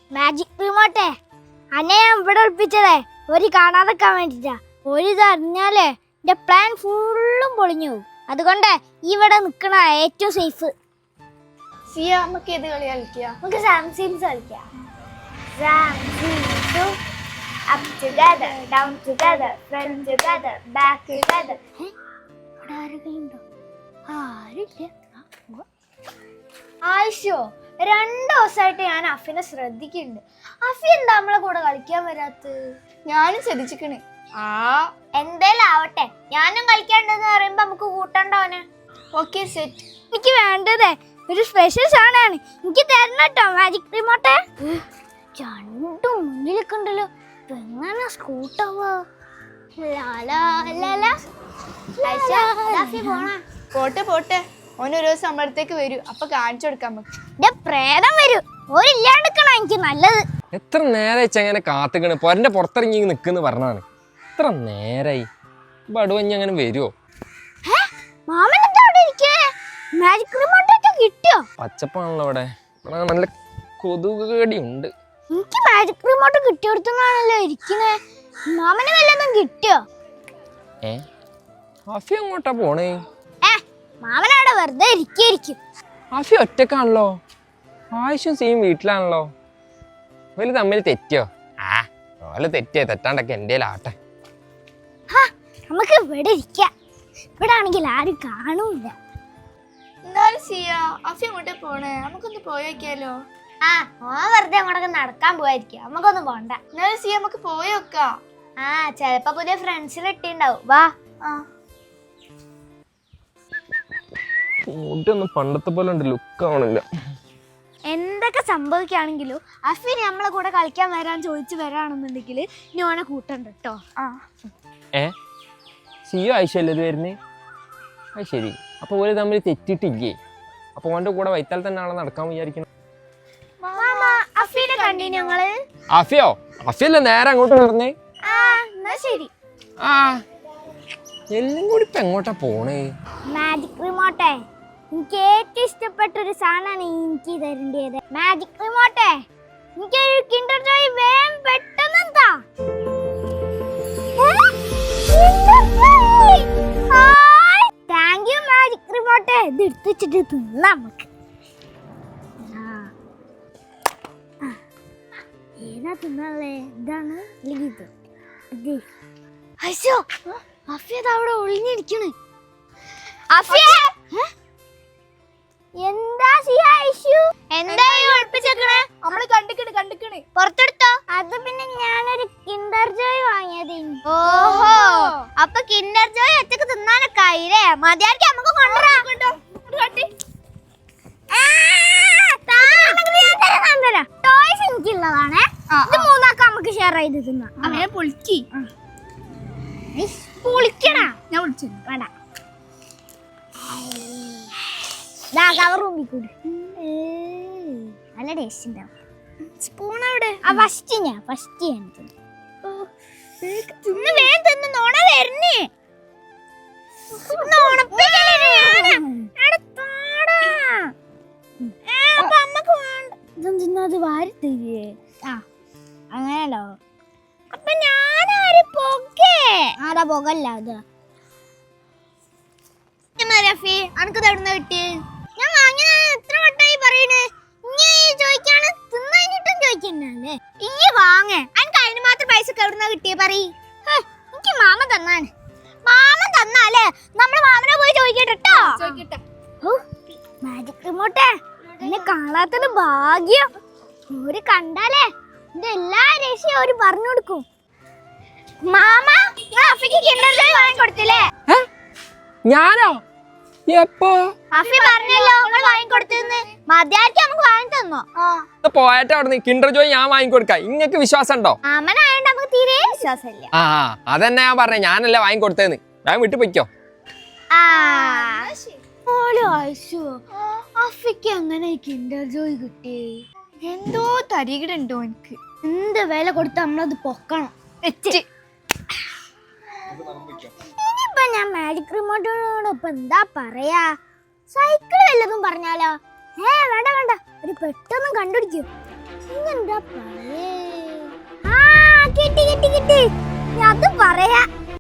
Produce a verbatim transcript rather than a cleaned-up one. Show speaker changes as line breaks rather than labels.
Magic റിമോട്ടേ അന്നെ ഞാൻ ഇവിടെ ഒളിപ്പിച്ചതേ ഒരു കാണാതെക്കാൻ വേണ്ടിട്ടാ. ഒരു ഇത് അറിഞ്ഞാലേ എന്റെ പ്ലാൻ ഫുള്ളും പൊളിഞ്ഞു പോകും. അതുകൊണ്ട് ഇവിടെ നിക്കണ ഏറ്റവും സേഫ്.
സിയ നമുക്ക് ഏത് കളി കളിക്കാം?
നമുക്ക് സാംസീൻസ് കളിക്കാം. Up together, down together, front together, back together. ആയിഷോ രണ്ടു ദിവസമായിട്ട് ഞാൻ അഫിനെ ശ്രദ്ധിക്കുന്നുണ്ട്. അഫി എന്താ നമ്മളെ കൂടെ കളിക്കാൻ വരാത്ത?
ഞാനും ശ്രദ്ധിച്ചിക്കണേ.
ആ എന്തേലും ആവട്ടെ, ഞാനും കളിക്കാണ്ടെന്ന് പറയുമ്പോ നമുക്ക് കൂട്ടണ്ടോനെ.
Okay set.
എനിക്ക് വേണ്ടതേ ഒരു സ്പെഷ്യൽ സാധനമാണ്. എനിക്ക് തരണം കേട്ടോ മാജിക് റിമോട്ടെ. രണ്ടും മുന്നിലൊക്കെ ഉണ്ടല്ലോ, എങ്ങനെ സ്കൂട്ടാവാ?
പോട്ടെ പോട്ടെ, ഓനൊരു ദിവസം നമ്മളടുത്തേക്ക് വരൂ, അപ്പൊ കാണിച്ചു കൊടുക്കാൻ പറ്റും.
പ്രേതം വരൂ, ഒരില്ലാണ്ടിക്കണോ എനിക്ക് നല്ലത്.
എത്ര നേരായി ചെങ്ങനെ കാത്തുക്കണ്, പൊരന്റെ പുറത്തിറങ്ങി നിൽക്കുന്നു പറഞ്ഞാണ്. എത്ര നേരായി ബടുവഞ്ഞ അങ്ങനെ വരുമോ?
മാജിക് റിമോട്ടൊക്കെ കിട്ടിയോ?
പച്ചപ്പാണല്ലോ ഇവിടെ, ഇവിടെ നല്ല കൊതുകടി ഉണ്ട്.
എനിക്ക് മാജിക് റിമോട്ട് കിട്ടിയെടുത്താണല്ലോ ഇരിക്കുന്നേ. മാമന് വല്ലതും കിട്ടിയോ?
ഏ അഫി എങ്ങോട്ടാ പോണേ?
ഏ മാമനവിടെ വെറുതെ ഇരിക്കും.
അഫി ഒറ്റക്കാണല്ലോ, ആവശ്യം സെയിം വീട്ടിലാണല്ലോ. വലിയ തമ്മിൽ തെറ്റിയോ? ആ ഓല തെറ്റിയോ, തെറ്റാണ്ടൊക്കെ എൻ്റെ ആട്ടെ.
നമുക്ക് ഇവിടെ ഇരിക്കാം, ഇവിടെ ആണെങ്കിൽ ആരും കാണൂല.
എന്നാലും സിയ അഫി എങ്ങോട്ടേ പോണേ? നമുക്കൊന്ന് പോയോക്കിയാലോ?
ആ ഓ വെറുതെ അങ്ങോട്ടൊക്കെ നടക്കാൻ പോയിരിക്കാം, നമുക്കൊന്നും പോണ്ട.
എന്നാലും സിയ നമുക്ക് പോയോക്കാം.
ആ ചെലപ്പോ പുതിയ ഫ്രണ്ട്സിൽ ഇട്ടിണ്ടാവും. വാ.
ആ
മുടിയൊന്നും പണ്ടത്തെ പോലെ ഉണ്ട്, ലുക്ക് ആവണില്ല.
എന്തൊക്കെ സംഭവിക്കുകയാണെങ്കിലും അഫി നമ്മളെ കൂടെ കളിക്കാൻ വരാൻ ചോദിച്ചു വരാണെന്നുണ്ടെങ്കിൽ ഇനി ഓനെ കൂട്ടണ്ട കേട്ടോ.
ആ
ഏ സിയോ ആയിഷല്ലേ ഇത് വരുന്നേ? അത് ശരി, അപ്പൊ ഓര് തമ്മിൽ തെറ്റിട്ടില്ലേ? അപ്പൊ ഓന്റെ കൂടെ വൈത്താൽ തന്നെ ആളെ നടക്കാൻ വിചാരിക്കണം.
അഫീനെ കണ്ടി ഞങ്ങള്.
അഫിയോ? അഫിയല്ലേ നേരെ അങ്ങോട്ട് നടന്നേ?
ശരി.
ആ എല്ലാം കൂടി ഇപ്പൊ എങ്ങോട്ടാ പോണേ?
മാജിക് റിമോട്ടെ എനിക്ക് ഏറ്റവും ഇഷ്ടപ്പെട്ട ഒരു സാധനമാണ് എനിക്ക് തരേണ്ടത്. മാജിക് റിമോട്ടെ എനിക്കൊരു കിൻഡർ ജോയ് വേഗം പെട്ടെന്ന് എന്താ. താങ്ക് യു മാജിക് റിമോട്ടെ. ഇത് എടുത്ത് വെച്ചിട്ട് തിന്നാം നമുക്ക്. ഏതാ തിന്നാളേ? ഇതാണ് അല്ലെങ്കിൽ ഇത്? ഇത് അയ്യോ അഫിയത് അവിടെ ഒളിഞ്ഞിരിക്കണ്. എന്താ എന്താ ഒളിപ്പിച്ചേക്കണേ?
നമ്മള് കണ്ടിക്കണ് കണ്ടിക്കണ്
പുറത്തെടുത്തോ? അത് പിന്നെ ഞാനൊരു കിൻഡർ ജോയ് വാങ്ങിയത്. ഓഹോ, അപ്പൊ കിൻഡർ ജോയ് ഒറ്റക്ക് തിന്നാനൊക്കെ ആയില്ലേ? മതിയാക്കി നമുക്ക് കൊണ്ടുവരാം. ടോയ്സ് എനിക്കുള്ളതാണേ, ഇത് മൂന്നാക്ക നമുക്ക് ഷെയർ ചെയ്ത് തിന്നാം.
അങ്ങനെ പൊളിക്കി
പൊളിക്കണ
ഞാൻ വിളിച്ചു
വേണ്ട. കൂടി നല്ല ടേസ്റ്റ് ഉണ്ടാവും. സ്പൂൺ അവിടെ ഫസ്റ്റ് ഞാൻ ഫസ്റ്റ് ഞാൻ തിന്ന് വേഗം തിന്ന് നോണ വരുന്നേ. ഇതെന്തിന്നത് വാരി തരേ? ആ അങ്ങനെയല്ലോ. അപ്പൊ ഞാനാര് പൊക്കേ? ആരാ പൊകല്ല അത്? അനക്ക് തടുന്ന കിട്ടി? ഞാൻ വാങ്ങിയ എത്ര വട്ടായി പറയണേ? ഇനി ചോദിക്കാണ് തിന്നിട്ടും ചോദിക്കുന്നല്ലേ? ഈ വാങ്ങേ അനക്ക് അതിന് മാത്രം പൈസ എവിടുന്ന കിട്ടിയേ പറയ്. എനിക്ക് മാമൻ തന്നാണ്. മാമൻ തന്നാലേ നമ്മള് മാമനെ പോയി ചോദിക്കട്ടോ.
ചോദിക്കട്ടെ.
മാജിക് റിമോട്ടെ എന്നെ കാണാത്തൊരു ഭാഗ്യം. ഒരു കണ്ടാലേ എന്റെ എല്ലാ രഹസ്യവും അവര് പറഞ്ഞു കൊടുക്കും. മാമ അഫിക്ക് കിൻഡർ ജോയ് വാങ്ങി കൊടുത്തില്ലേ?
ഞാനോ? എപ്പോ?
അഫി പറഞ്ഞല്ലോ നിങ്ങൾ വാങ്ങി കൊടുത്തെന്ന്. മതിയാക്കി നമുക്ക് വാങ്ങി തന്നോ?
പോയട്ടെ അവിടെ കിൻഡർ ജോയ് ഞാൻ വാങ്ങിക്കൊടുക്കാം. ഇങ്ങക്ക് വിശ്വാസം ഉണ്ടോ?
മാമനായോണ്ട് നമുക്ക് തീരെ വിശ്വാസമില്ല.
ആ അതന്നെ ഞാൻ പറഞ്ഞേ, ഞാനല്ലേ വാങ്ങിക്കൊടുത്തേന്ന്. ഞാൻ വിട്ടു പൊയ്ക്കോ.
അഫിക്ക് എങ്ങനെ കിൻഡർ ജോയ് കിട്ടി?
എന്തോ തരികിടുണ്ടോ എനിക്ക്.
എന്ത് വില കൊടുത്ത് നമ്മളത് പൊക്കണം. ഇനിയിപ്പൊ ഞാൻ മാജിക് റിമോട്ടോട് ഇപ്പൊ എന്താ പറയാ? സൈക്കിൾ വല്ലതും പറഞ്ഞാലോ? ഏ വേണ്ട വേണ്ട, ഒരു പെട്ടെന്ന് കണ്ടുപിടിക്കൂ. ഇന്നെന്താ പറയേ? ആ കിട്ടി കിട്ടി കിട്ടി. ഞാൻ അത് പറയാ